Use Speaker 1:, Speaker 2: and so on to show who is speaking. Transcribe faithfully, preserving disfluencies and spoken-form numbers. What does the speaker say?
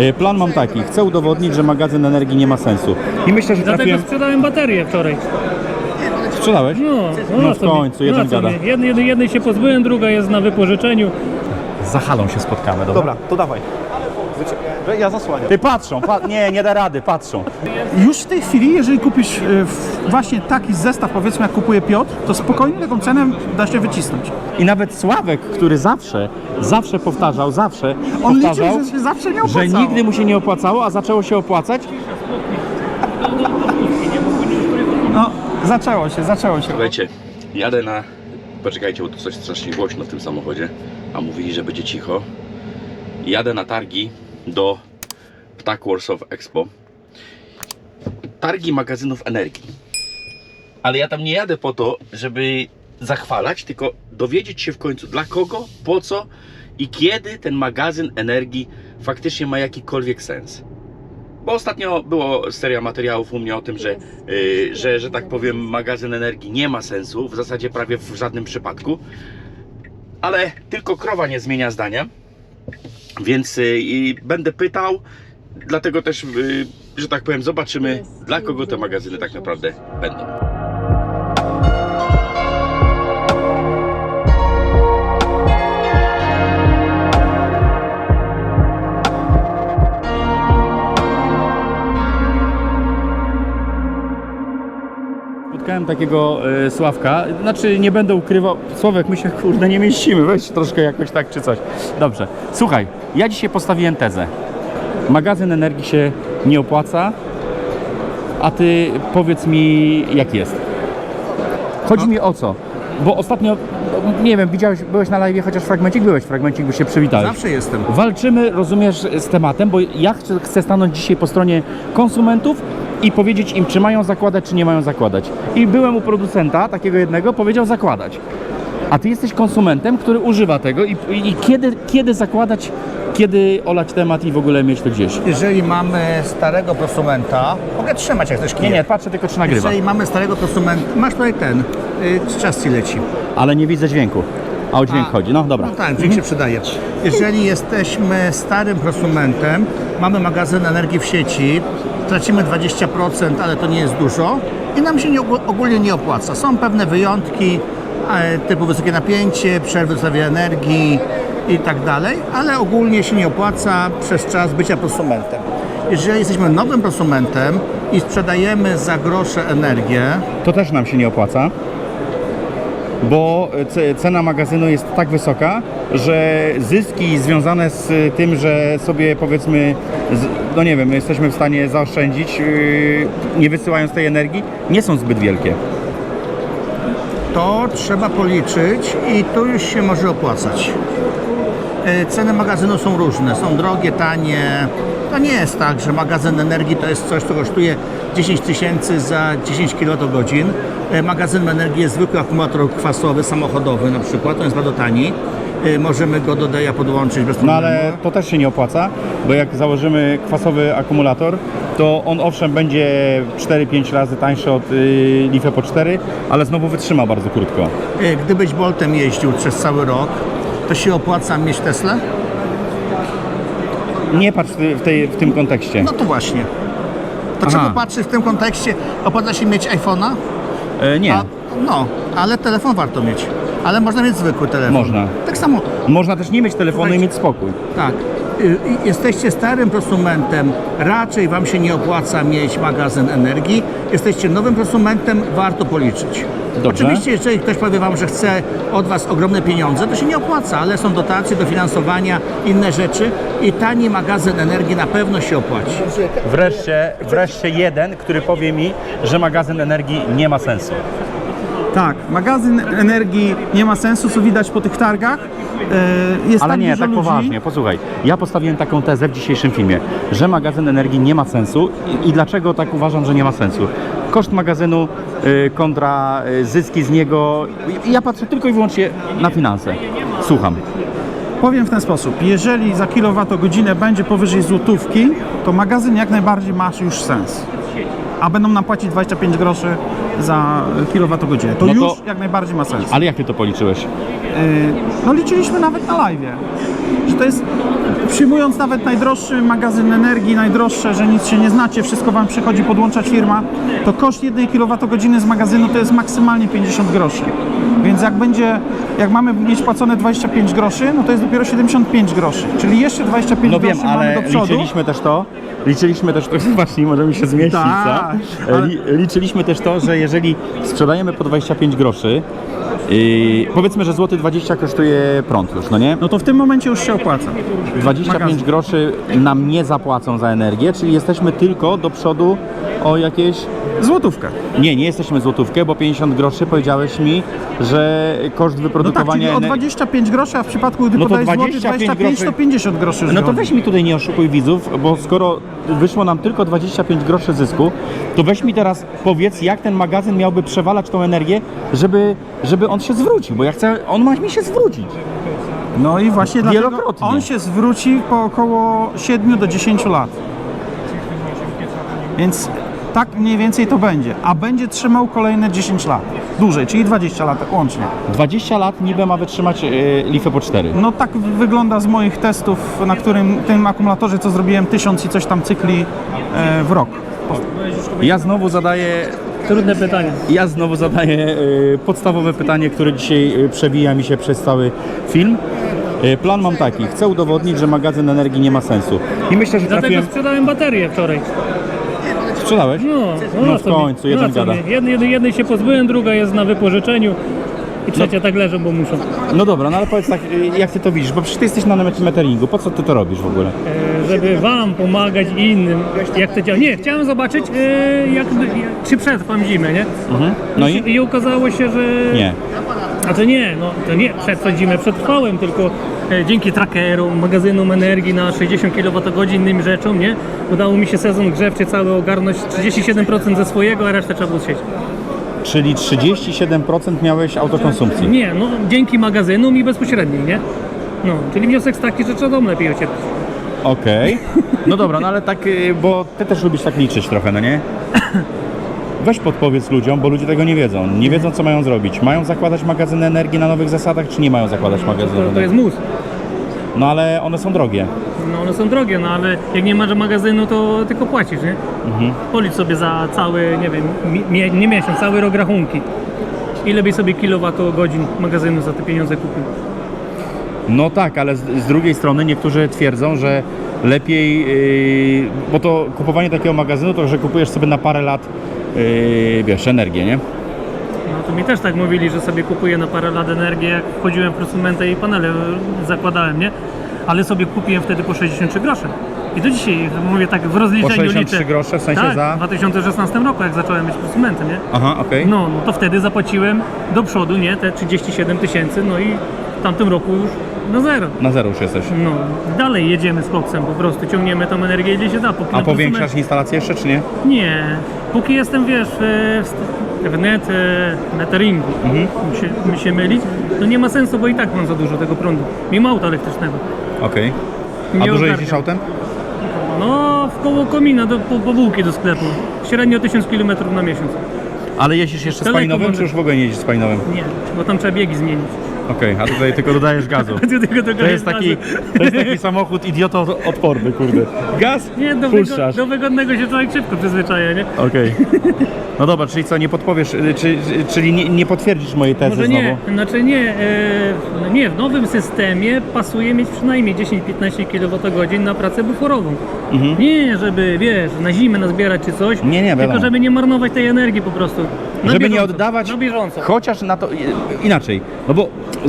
Speaker 1: Plan mam taki, chcę udowodnić, że magazyn energii nie ma sensu. I myślę, że
Speaker 2: Dlatego
Speaker 1: trafiłem...
Speaker 2: sprzedałem baterię wczoraj.
Speaker 1: Sprzedałeś?
Speaker 2: No,
Speaker 1: No
Speaker 2: na
Speaker 1: w
Speaker 2: co mi-
Speaker 1: końcu, jeden
Speaker 2: na co
Speaker 1: gada.
Speaker 2: mi? Jednej, jednej, jednej się pozbyłem, druga jest na wypożyczeniu.
Speaker 1: Za halą się spotkamy, dobra?
Speaker 3: Dobra, to dawaj. Ja zasłaniam.
Speaker 1: Ty patrzą, pa... nie, nie da rady, patrzą.
Speaker 3: Już w tej chwili, jeżeli kupisz y, w- właśnie taki zestaw, powiedzmy jak kupuje Piotr, to spokojnie taką cenę da się wycisnąć.
Speaker 1: I nawet Sławek, który zawsze, zawsze powtarzał, zawsze
Speaker 3: On
Speaker 1: powtarzał,
Speaker 3: liczył, że się zawsze nie
Speaker 1: że
Speaker 3: opłacało.
Speaker 1: nigdy mu się nie opłacało, a zaczęło się opłacać.
Speaker 3: No, zaczęło się, zaczęło się.
Speaker 4: Słuchajcie, jadę na... Poczekajcie, bo tu coś strasznie głośno w tym samochodzie, a mówili, że będzie cicho. Jadę na targi do Ptak Warsaw Expo. Targi magazynów energii. Ale ja tam nie jadę po to, żeby zachwalać, tylko dowiedzieć się w końcu dla kogo, po co i kiedy ten magazyn energii faktycznie ma jakikolwiek sens. Bo ostatnio było seria materiałów u mnie o tym, że, yy, że, że tak powiem, magazyn energii nie ma sensu, w zasadzie prawie w żadnym przypadku. Ale tylko krowa nie zmienia zdania, więc yy, będę pytał, dlatego też, yy, że tak powiem, zobaczymy, dla kogo te magazyny tak naprawdę będą.
Speaker 1: Spotkałem takiego e, Sławka, znaczy nie będę ukrywał, Sławek, my się kurde nie mieścimy, weź troszkę jakoś tak czy coś. Dobrze, słuchaj, ja dzisiaj postawiłem tezę. Magazyn energii się nie opłaca, a ty powiedz mi jak jest. Chodzi mi o co? Bo ostatnio, nie wiem, widziałeś, byłeś na live, chociaż fragmencik byłeś, fragmencik, by się przywitałeś.
Speaker 3: Zawsze jestem.
Speaker 1: Walczymy, rozumiesz, z tematem, bo ja chcę, chcę stanąć dzisiaj po stronie konsumentów i powiedzieć im, czy mają zakładać, czy nie mają zakładać. I byłem u producenta, takiego jednego, powiedział zakładać. A ty jesteś konsumentem, który używa tego i, i, i kiedy, kiedy zakładać, kiedy olać temat i w ogóle mieć to gdzieś.
Speaker 5: Jeżeli mamy starego prosumenta, mogę trzymać jak ktoś
Speaker 1: Nie,
Speaker 5: kije.
Speaker 1: nie, patrzę tylko, czy nagrywa.
Speaker 5: Jeżeli mamy starego prosumenta, masz tutaj ten, y, czas ci leci.
Speaker 1: Ale nie widzę dźwięku. A o dźwięk
Speaker 5: A,
Speaker 1: chodzi, no dobra.
Speaker 5: No tak, dźwięk się przydaje. Jeżeli jesteśmy starym prosumentem, mamy magazyn energii w sieci, tracimy dwadzieścia procent, ale to nie jest dużo i nam się nie, ogólnie nie opłaca. Są pewne wyjątki, e, typu wysokie napięcie, przerwy w dostawie energii i tak dalej, ale ogólnie się nie opłaca przez czas bycia prosumentem. Jeżeli jesteśmy nowym prosumentem i sprzedajemy za grosze energię,
Speaker 1: To też nam się nie opłaca, bo ce- cena magazynu jest tak wysoka, że zyski związane z tym, że sobie powiedzmy, z, no nie wiem, jesteśmy w stanie zaoszczędzić, yy, nie wysyłając tej energii, nie są zbyt wielkie.
Speaker 5: to trzeba policzyć i tu już się może opłacać. E, Ceny magazynu są różne, są drogie, tanie. To nie jest tak, że magazyn energii to jest coś, co kosztuje dziesięć tysięcy za dziesięć kilowatogodzin. E, Magazyn energii jest zwykły akumulator kwasowy, samochodowy na przykład, on jest bardzo tani. E, Możemy go do deja podłączyć bez
Speaker 1: No
Speaker 5: problemu.
Speaker 1: ale to też się nie opłaca, bo jak założymy kwasowy akumulator, to on owszem będzie cztery pięć razy tańszy od yy, Life po cztery, ale znowu wytrzyma bardzo krótko.
Speaker 5: E, Gdybyś Boltem jeździł przez cały rok, to się opłaca mieć Teslę?
Speaker 1: Nie patrz w, tej, w tym kontekście.
Speaker 5: No to właśnie. To
Speaker 1: Aha.
Speaker 5: trzeba patrzeć w tym kontekście, opłaca się mieć iPhone'a?
Speaker 1: E, nie,
Speaker 5: A, no, ale telefon warto mieć. Ale można mieć zwykły telefon.
Speaker 1: Można.
Speaker 5: Tak samo,
Speaker 1: można też nie mieć telefonu i
Speaker 5: Słuchajcie.
Speaker 1: mieć spokój.
Speaker 5: tak. Y, y, Jesteście starym prosumentem, raczej Wam się nie opłaca mieć magazyn energii. Jesteście nowym prosumentem, warto policzyć.
Speaker 1: Dobrze.
Speaker 5: Oczywiście, jeżeli ktoś powie Wam, że chce od Was ogromne pieniądze, to się nie opłaca, ale są dotacje, dofinansowania, inne rzeczy i tani magazyn energii na pewno się opłaci.
Speaker 1: Wreszcie, wreszcie jeden, który powie mi, że magazyn energii nie ma sensu.
Speaker 3: Tak, magazyn energii nie ma sensu, co widać po tych targach. E, Jest
Speaker 1: Ale
Speaker 3: tak
Speaker 1: nie,
Speaker 3: dużo
Speaker 1: tak
Speaker 3: ludzi.
Speaker 1: poważnie, posłuchaj. Ja postawiłem taką tezę w dzisiejszym filmie, że magazyn energii nie ma sensu i, i dlaczego tak uważam, że nie ma sensu. Koszt magazynu y, kontra y, zyski z niego. I ja patrzę tylko i wyłącznie na finanse. Słucham.
Speaker 3: Powiem w ten sposób, jeżeli za kilowatogodzinę będzie powyżej złotówki, to magazyn jak najbardziej ma już sens. A będą nam płacić dwadzieścia pięć groszy za kilowatogodzinę. To
Speaker 1: No to-
Speaker 3: już jak najbardziej ma sens.
Speaker 1: Ale jak ty to policzyłeś?
Speaker 3: Yy, no liczyliśmy nawet na live'ie, że to jest przyjmując nawet najdroższy magazyn energii, najdroższe, że nic się nie znacie, wszystko Wam przychodzi podłączać firma, to koszt jednej kilowatogodziny z magazynu to jest maksymalnie pięćdziesiąt groszy. Więc jak będzie, jak mamy mieć płacone dwadzieścia pięć groszy, no to jest dopiero siedemdziesiąt pięć groszy, czyli jeszcze dwadzieścia pięć
Speaker 1: No wiem,
Speaker 3: groszy mamy
Speaker 1: ale
Speaker 3: do przodu.
Speaker 1: liczyliśmy też to, liczyliśmy też to, właśnie możemy się zmieścić,
Speaker 3: Tak,
Speaker 1: co?
Speaker 3: ale-
Speaker 1: Li, liczyliśmy też to, że jeżeli sprzedajemy po dwadzieścia pięć groszy, yy, powiedzmy, że złoty dwadzieścia kosztuje prąd już, no nie?
Speaker 3: No to w tym momencie już się opłaca.
Speaker 1: dwadzieścia pięć
Speaker 3: magazyn.
Speaker 1: groszy nam nie zapłacą za energię, czyli jesteśmy tylko do przodu o jakieś...
Speaker 3: Złotówkę.
Speaker 1: Nie, nie jesteśmy złotówkę, bo pięćdziesiąt groszy powiedziałeś mi, że koszt
Speaker 3: No tak,
Speaker 1: wyprodukowania
Speaker 3: czyli o
Speaker 1: energii...
Speaker 3: dwadzieścia pięć groszy, a w przypadku gdy
Speaker 1: No to
Speaker 3: podajesz złoty
Speaker 1: dwadzieścia pięć
Speaker 3: dwadzieścia pięć, to
Speaker 1: groszy.
Speaker 3: pięćdziesiąt groszy już
Speaker 1: No to
Speaker 3: wychodzi.
Speaker 1: weź mi tutaj nie oszukuj widzów, bo skoro wyszło nam tylko dwadzieścia pięć groszy zysku, to weź mi teraz powiedz, jak ten magazyn miałby przewalać tą energię, żeby, żeby on się zwrócił, bo ja chcę, on ma mi się zwrócić.
Speaker 3: No i właśnie dlatego
Speaker 1: Wielokrotnie.
Speaker 3: on się zwróci po około siedmiu do dziesięciu lat. Więc tak mniej więcej to będzie. A będzie trzymał kolejne dziesięć lat. Dłużej, czyli dwadzieścia lat łącznie.
Speaker 1: dwadzieścia lat niby ma wytrzymać yy, Leafy po cztery.
Speaker 3: No tak wygląda z moich testów, na którym tym akumulatorze, co zrobiłem, tysiąc i coś tam cykli e, w rok.
Speaker 1: Ja znowu zadaję
Speaker 2: Trudne pytanie.
Speaker 1: Ja znowu zadaję y, podstawowe pytanie, które dzisiaj y, przewija mi się przez cały film. Y, plan mam taki, chcę udowodnić, że magazyn energii nie ma sensu. I myślę, że
Speaker 2: Dlatego
Speaker 1: trafiłem...
Speaker 2: sprzedałem baterię wczoraj.
Speaker 1: Sprzedałeś?
Speaker 2: No,
Speaker 1: No
Speaker 2: na
Speaker 1: w
Speaker 2: co mi-
Speaker 1: końcu, jeden
Speaker 2: na co
Speaker 1: gada.
Speaker 2: mi? Jednej, jednej, jednej się pozbyłem, druga jest na wypożyczeniu i trzecia tak leżą, bo muszą.
Speaker 1: No dobra, no ale powiedz tak, y, jak ty to widzisz, bo przecież ty jesteś na meteringu, po co ty to robisz w ogóle?
Speaker 2: E, żeby wam pomagać i innym, jak to działa. Nie, chciałem zobaczyć, e, jak, jak, czy przetrwam zimę, nie?
Speaker 1: Mhm. No i?
Speaker 2: I okazało się, że...
Speaker 1: Nie.
Speaker 2: A to nie, no to nie przetrwać zimę przetrwałem, tylko e, dzięki trackerom, magazynom energii na sześćdziesiąt kilowatogodzin, innym rzeczom, nie? Udało mi się sezon grzewczy cały ogarnąć, trzydzieści siedem procent ze swojego, a resztę trzeba było sieć.
Speaker 1: Czyli trzydzieści siedem procent miałeś autokonsumpcji.
Speaker 2: Nie, no dzięki magazynom i bezpośredniej, nie? No, czyli wniosek jest taki, że trzeba dom lepiej ocieplić.
Speaker 1: Okej. No dobra, no ale tak, y, bo ty też lubisz tak liczyć trochę, no nie? Weź podpowiedz ludziom, bo ludzie tego nie wiedzą. Nie wiedzą, co mają zrobić. Mają zakładać magazyny energii na nowych zasadach, czy nie mają zakładać magazynów
Speaker 2: To, to
Speaker 1: energii?
Speaker 2: jest mus.
Speaker 1: No ale one są drogie.
Speaker 2: No one są drogie, no ale jak nie masz magazynu, to tylko płacisz, nie?
Speaker 1: Mhm.
Speaker 2: Policz sobie za cały, nie wiem, mi, nie miesiąc, cały rok rachunki. Ile byś sobie kilowatogodzin magazynu za te pieniądze kupił?
Speaker 1: No tak, ale z, z drugiej strony niektórzy twierdzą, że lepiej, yy, bo to kupowanie takiego magazynu, to że kupujesz sobie na parę lat, yy, wiesz, energię, nie?
Speaker 2: No to mi też tak mówili, że sobie kupuję na parę lat energię, jak wchodziłem w prosumentę i panele zakładałem, nie? Ale sobie kupiłem wtedy po sześćdziesiąt trzy grosze. I do dzisiaj mówię tak w rozliczeniu
Speaker 1: Po sześćdziesiąt trzy
Speaker 2: liczę.
Speaker 1: grosze, w sensie
Speaker 2: tak,
Speaker 1: za-
Speaker 2: w dwa tysiące szesnastym roku, jak zacząłem być prosumentem, nie?
Speaker 1: Aha, okej.
Speaker 2: No, no to wtedy zapłaciłem do przodu, nie? Te trzydzieści siedem tysięcy, no i w tamtym roku już na zero.
Speaker 1: Na zero już jesteś.
Speaker 2: No, dalej jedziemy z koksem, po prostu ciągniemy tą energię ile się da. Póki
Speaker 1: A
Speaker 2: na
Speaker 1: powiększasz
Speaker 2: prosument-
Speaker 1: instalację jeszcze, czy nie?
Speaker 2: Nie, póki jestem, wiesz, w, w net, e, meteringu,
Speaker 1: Mhm.
Speaker 2: mi, się, mi się mylić, to nie ma sensu, bo i tak mam za dużo tego prądu, mimo auta elektrycznego.
Speaker 1: Okej. A
Speaker 2: Nie
Speaker 1: dużo
Speaker 2: ogarniam.
Speaker 1: jeździsz autem?
Speaker 2: No, w koło komina, do, po, po bułki do sklepu. Średnio tysiąc kilometrów na miesiąc.
Speaker 1: Ale jeździsz jeszcze z
Speaker 2: Daleko
Speaker 1: spalinowym,
Speaker 2: mamy.
Speaker 1: czy już w ogóle nie jeździsz z spalinowym?
Speaker 2: Nie, bo tam trzeba biegi zmienić.
Speaker 1: Okej, a tutaj tylko dodajesz gazu.
Speaker 2: Tylko do
Speaker 1: To jest taki, to jest taki samochód idioto-odporny, kurde. Gaz,
Speaker 2: Nie, do, wygo,
Speaker 1: puszczasz.
Speaker 2: do wygodnego się człowiek szybko przyzwyczaja, nie?
Speaker 1: Okej. No dobra, czyli co, nie podpowiesz, y, czy, czy, czyli nie, nie potwierdzisz mojej tezy
Speaker 2: Może
Speaker 1: znowu?
Speaker 2: nie, znaczy nie, e, no nie, w nowym systemie pasuje mieć przynajmniej dziesięć do piętnastu kilowatogodzin na pracę buforową. Nie, żeby, wiesz, na zimę nazbierać czy coś,
Speaker 1: Nie, nie,
Speaker 2: tylko
Speaker 1: wiadomo.
Speaker 2: żeby nie marnować tej energii po prostu. Na
Speaker 1: Żeby nie
Speaker 2: bieżąco,
Speaker 1: oddawać,
Speaker 2: Na bieżąco.
Speaker 1: chociaż na to, i- inaczej, no bo